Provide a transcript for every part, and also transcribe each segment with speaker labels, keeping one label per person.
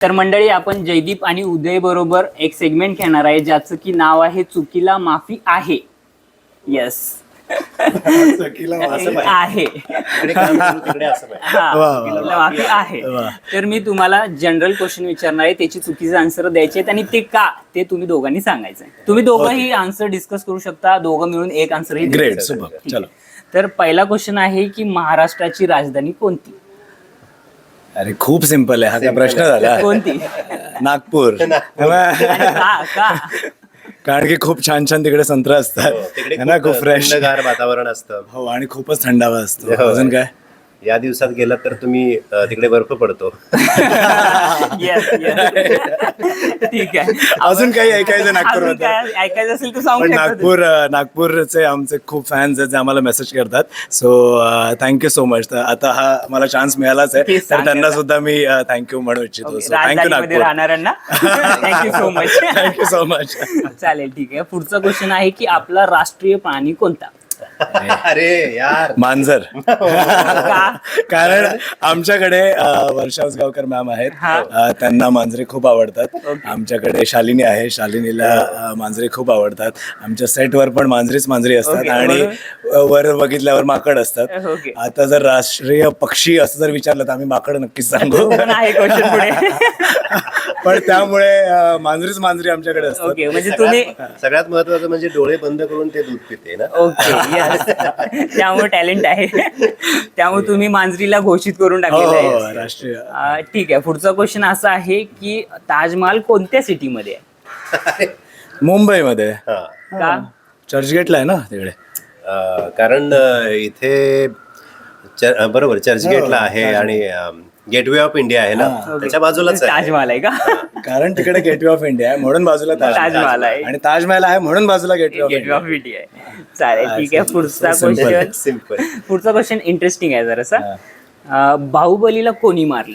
Speaker 1: तर मंडळी, आपण जयदीप आणि उदय बरोबर एक सेगमेंट घेणार आहे ज्याचं की नाव आहे चुकीला माफी आहे. येस आहे. माफी आहे. तर मी तुम्हाला जनरल क्वेश्चन विचारणार आहे, त्याची चुकीचे आन्सर द्यायचे आहेत आणि ते का ते तुम्ही दोघांनी सांगायचं. तुम्ही दोघंही आन्सर डिस्कस करू शकता, दोघं मिळून एक आन्सर ही.
Speaker 2: Great, super. चलो.
Speaker 1: तर पहिला क्वेश्चन आहे की महाराष्ट्राची राजधानी कोणती?
Speaker 2: अरे खूप सिंपल आहे, हा काय प्रश्न झाला.
Speaker 1: कोणती?
Speaker 2: नागपूर.
Speaker 1: का?
Speaker 2: कारण की खूप छान छान तिकडे संत्र असतात ना, खूप फ्रेश
Speaker 3: वातावरण असतं.
Speaker 2: हो, आणि खूपच थंडावा असतो. अजून काय?
Speaker 3: या दिवसात गेलात तर तुम्ही तिकडे बर्फ पडतो.
Speaker 1: ठीक आहे.
Speaker 2: अजून काही ऐकायचं नागपूर
Speaker 1: अजून काय ऐकायचं असेल तर सांगू
Speaker 2: पण
Speaker 1: शकता.
Speaker 2: नागपूरचे आमचे खूप फॅन्स आहेत जे आम्हाला मेसेज करतात. So thank you so much. तर आता हा मला चान्स मिळालाच आहे, तर त्यांना सुद्धा मी थँक्यू म्हणू इच्छितो. सो थँक्यू
Speaker 1: राजधानीमध्ये
Speaker 2: नागपूर.
Speaker 1: राहणाऱ्यांना thank you so much.
Speaker 2: Thank you so much.
Speaker 1: चालेल, ठीक आहे. पुढचा क्वेश्चन आहे की आपला राष्ट्रीय प्राणी कोणता?
Speaker 3: अरे यार,
Speaker 2: मांजर.
Speaker 1: का?
Speaker 2: कारण आमच्याकडे वर्षा उसगावकर मॅम आहेत, त्यांना मांजरे खूप आवडतात. आमच्याकडे शालिनी आहे, शालिनीला मांजरे खूप आवडतात. आमच्या सेटवर पण मांजरी असतात आणि वर बघितल्यावर माकड असतात. आता जर राष्ट्रीय पक्षी असं जर विचारलं तर आम्ही माकड नक्कीच सांगू. पण त्यामुळे मांजरी आमच्याकडे असतात.
Speaker 1: ओके, म्हणजे तुम्ही
Speaker 3: सगळ्यात महत्वाचं म्हणजे डोळे बंद करून ते दूध पिते ना.
Speaker 1: ओके, त्यामुळे टॅलेंट आहे. त्यामुळे तुम्ही मांजरीला घोषित करून टाकलेलं आहे.
Speaker 2: राष्ट्रीय.
Speaker 1: ठीक आहे. पुढचा क्वेश्चन असा आहे की ताजमहाल कोणत्या सिटीमध्ये आहे?
Speaker 2: मुंबईमध्ये.
Speaker 1: का?
Speaker 2: चर्चगेटला आहे ना तिकडे.
Speaker 3: कारण इथे बरोबर चर्चगेटला आहे आणि गेटवे ऑफ इंडिया आहे ना, त्याच्या बाजूलाच
Speaker 1: ताजमहाल आहे का?
Speaker 2: कारण तिकडे गेटवे ऑफ इंडिया आहे म्हणून बाजूला
Speaker 1: ताजमहाल आहे
Speaker 2: आणि ताजमहाल आहे म्हणून बाजूला gateway of
Speaker 1: gateway of India आहे. चालेल, ठीक आहे. पुढचा क्वेश्चन
Speaker 3: सिम्पल.
Speaker 1: पुढचा क्वेश्चन इंटरेस्टिंग आहे जरासा. बाहुबलीला कोणी मारलं?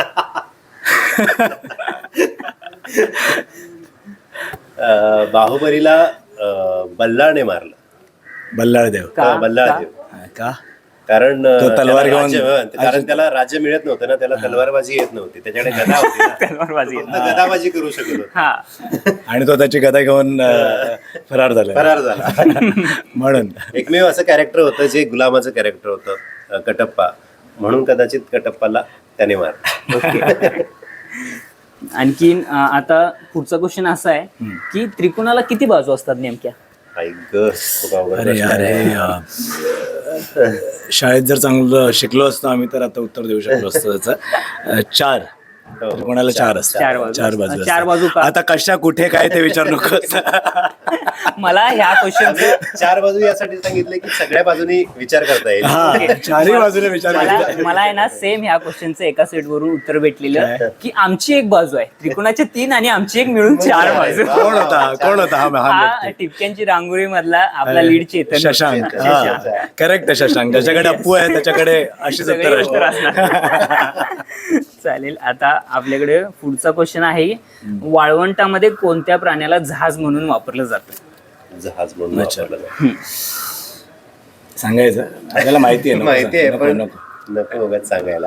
Speaker 3: बाहुबलीला बल्लाळने मारलं.
Speaker 2: बल्लाळदेव.
Speaker 3: बल्लाळदेव.
Speaker 2: का?
Speaker 3: कारण
Speaker 2: तलवार घेऊन,
Speaker 3: कारण त्याला राज्य मिळत नव्हतं ना, त्याला तलवारबाजी येत नव्हती, त्याच्याकडे गदा होती ना.
Speaker 1: तलवारबाजी.
Speaker 3: गदाबाजी करू शकत होता.
Speaker 2: आणि तो त्याची गदा घेऊन फरार झाला. म्हणून
Speaker 3: एकमेव असं कॅरेक्टर होतं जे गुलामाचं कॅरेक्टर होतं, कटप्पा, म्हणून कदाचित कटप्पाला त्याने मारलं.
Speaker 1: आणखीन आता पुढचा क्वेश्चन असा आहे की त्रिकोणाला किती बाजू असतात नेमक्या?
Speaker 2: अरे यार, शाळेत जर चांगलं शिकलो असतो आम्ही तर आता उत्तर देऊ शकलो असतो त्याचं. 4. कोणाला 4 असतात. 4 बाजू. आता कशा कुठे काय ते विचार नको.
Speaker 1: मला ह्या क्वेश्चनचं
Speaker 3: 4 बाजू यासाठी सांगितलं की सगळ्या बाजूनी विचार करता येईल.
Speaker 2: चारही बाजूने विचार.
Speaker 1: मला आहे ना सेम ह्या क्वेश्चनचं एका सेट वरून उत्तर भेटलेलं की आमची एक बाजू आहे, त्रिकोणाचे 3 आणि आमची एक मिळून 4 बाजू.
Speaker 2: कोण होता
Speaker 1: हा टिपक्यांची रांगोळी मधला आपला लीड चेतन.
Speaker 2: शशांक. करेक्ट आहे, शशांक. ज्याच्याकडे अप्पू आहे त्याच्याकडे अशीच उत्तर असणार.
Speaker 1: चालेल. आता आपल्याकडे पुढचा क्वेश्चन आहे, वाळवंटामध्ये कोणत्या प्राण्याला जहाज म्हणून वापरलं जातं?
Speaker 3: जहाज म्हणून वापरलं जातं.
Speaker 2: सांगायचं आपल्याला माहिती आहे
Speaker 3: पण नको उगाच सांगायला.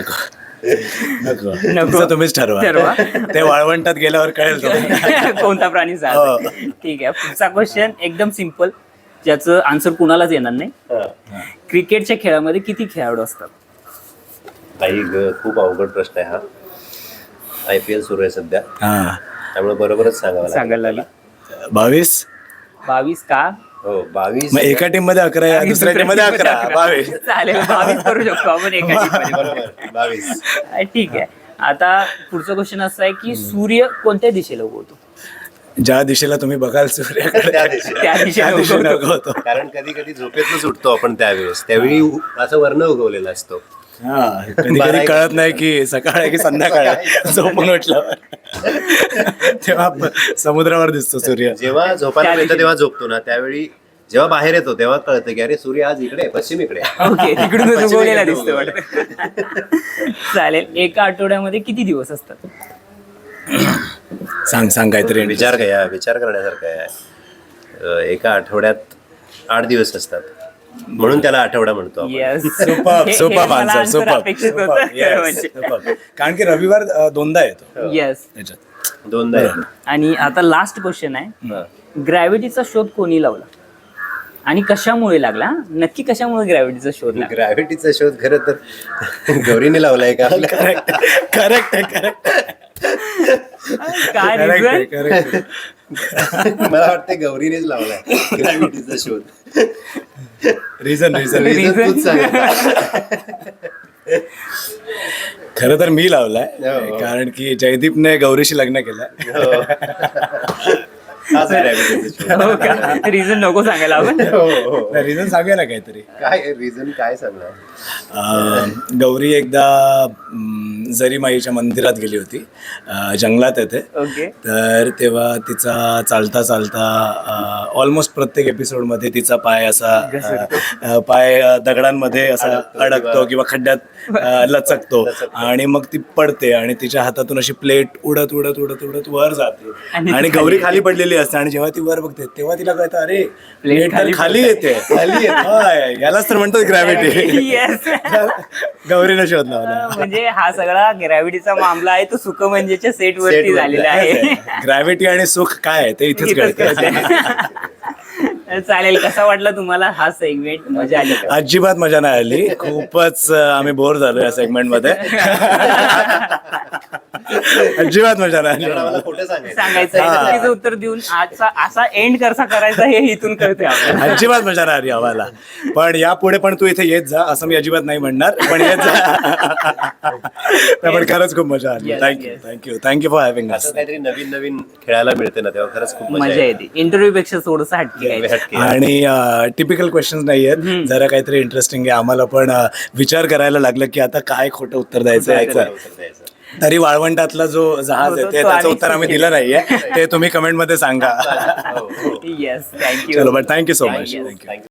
Speaker 2: नको तुम्हीच ठरवा. ते वाळवंटात गेल्यावर कळेल
Speaker 1: कोणता प्राणी जहाज. ठीक आहे. पुढचा क्वेश्चन एकदम सिम्पल, ज्याचं आन्सर कुणालाच येणार नाही. क्रिकेटच्या खेळामध्ये किती खेळाडू असतात?
Speaker 3: खूप अवघड प्रश्न आहे हा. IPL सुरू आहे सध्या, त्यामुळे बरोबरच सांगायला
Speaker 1: लागला.
Speaker 2: 22
Speaker 1: का?
Speaker 3: हो, 22.
Speaker 2: मग एका टीम मध्ये 11, दुसऱ्या टीम मध्ये 11. 22.
Speaker 1: चालेल, 22 करू शकतो आपण एका टीम मध्ये.
Speaker 3: बरोबर, 22.
Speaker 1: ठीक आहे. आता पुढचा क्वेश्चन असा आहे की सूर्य कोणत्या दिशेला उगवतो?
Speaker 2: ज्या दिशेला तुम्ही बघाल सूर्याकडे
Speaker 1: त्या दिशेला
Speaker 2: उगवतो.
Speaker 3: कारण कधी कधी झोपेतच उठतो आपण त्यावेळी असं वर्ण उगवलेला असतो.
Speaker 2: कधी कधी कळत नाही की सकाळ आहे की संध्याकाळ आहे. झोपून उठल्यावर तेव्हा समुद्रावर दिसतो सूर्य.
Speaker 3: जेव्हा झोपायला मिळतं तेव्हा झोपतो ना, त्यावेळी जेव्हा बाहेर येतो तेव्हा कळतं की अरे सूर्य आज इकडे पश्चिमेकडे.
Speaker 1: ओके, तिकडून उगवलेला दिसतो वाटतं. चालेल. एका आठवड्यामध्ये किती दिवस असतात?
Speaker 2: सांग काहीतरी.
Speaker 3: विचार करण्यासारखं आहे. एका आठवड्यात 8 दिवस असतात. म्हणून त्याला आठवडा म्हणतो आपण.
Speaker 1: येस
Speaker 2: सुपर आन्सर सुपर कारण की रविवार दोनदा येतो
Speaker 1: येस.
Speaker 2: त्याच्यात.
Speaker 3: दोनदा येतो.
Speaker 1: आणि आता लास्ट क्वेश्चन आहे, ग्रॅव्हिटीचा शोध कोणी लावला आणि कशामुळे लागला? नक्की कशामुळे ग्रॅव्हिटीचा शोध लागला?
Speaker 3: ग्रॅव्हिटीचा शोध खरं तर गौरीने लावलाय का आपल्या?
Speaker 2: करेक्ट
Speaker 1: काय reason?
Speaker 2: करेक्ट
Speaker 3: मला वाटतं गौरीनेच लावलाय ग्रॅव्हिटीचा शोध.
Speaker 2: Reason
Speaker 1: Reason?
Speaker 3: तूच सांग.
Speaker 2: खरं तर मी लावलाय
Speaker 3: हो.
Speaker 2: कारण की जयदीपने गौरीशी लग्न केलंय.
Speaker 3: हाच gravity चा शोध.
Speaker 1: हो का? रिझन नको सांगायला आपण.
Speaker 3: हो.
Speaker 2: रिझन सांगूया ना काहीतरी.
Speaker 3: काय रिझन काय सांगणार?
Speaker 2: गौरी एकदा जरीमाईच्या मंदिरात गेली होती, जंगलात आहे ते.
Speaker 1: ओके.
Speaker 2: तर तेव्हा तिचा चालता चालता ऑलमोस्ट प्रत्येक एपिसोडमध्ये तिचा पाय असा पाय दगडांमध्ये असा अडकतो किंवा खड्ड्यात लचकतो आणि मग ती पडते आणि तिच्या हातातून अशी प्लेट उडत उडत उडत उडत वर जाते आणि गौरी खाली पडलेली असते आणि जेव्हा ती वर बघते तेव्हा तिला कळतं अरे प्लेट खाली येते. होय, यालाच तर म्हणतो ग्रॅव्हिटी.
Speaker 1: येस.
Speaker 2: गौरीने शोध लावला.
Speaker 1: म्हणजे हा सगळा ग्रॅव्हिटीचा मामला आहे तो सुखमंजेच्या सेट वरती झालेला आहे.
Speaker 2: ग्रॅव्हिटी आणि सुख काय आहे ते इथेच कळतं.
Speaker 1: चालेल. कसा वाटला तुम्हाला हा सेगमेंट? मजा आली का?
Speaker 2: अजिबात मजा नाही आली. खूपच आम्ही बोर झालो या सेगमेंट मध्ये. अजिबात मजा नाही
Speaker 3: कारण
Speaker 2: आली.
Speaker 3: आम्हाला खोटं सांगायचं.
Speaker 1: सांगायचं चुकीचं उत्तर देऊन आजचा असा एंड कसा करायचा हे इथून कळते आपल्याला.
Speaker 2: अजिबात मजा नाही आली आम्हाला. पण यापुढे पण तू इथे येत जा असं मी अजिबात नाही म्हणणार, पण येत जा. पण खरंच खूप मजा आली.
Speaker 1: Yes,
Speaker 2: thank you for having us.
Speaker 3: असं काहीतरी नवीन नवीन खेळायला मिळते ना तेव्हा खरंच खूप
Speaker 1: मजा येते. इंटरव्ह्यू पेक्षा थोडंसं हटके आहे.
Speaker 2: आणि टिपिकल क्वेश्चन्स नाही आहेत, जरा काहीतरी इंटरेस्टिंग आहे. आम्हाला पण विचार करायला लागलं की आता काय खोटं उत्तर द्यायचं याचं. तरी वाळवंटातला जो जहाज आहे ते त्याचं उत्तर आम्ही दिलं नाहीये, ते तुम्ही कमेंट मध्ये सांगा.
Speaker 1: येस. थँक्यू.
Speaker 2: चलो but thank you so much.
Speaker 1: Thank you.
Speaker 2: Thank you.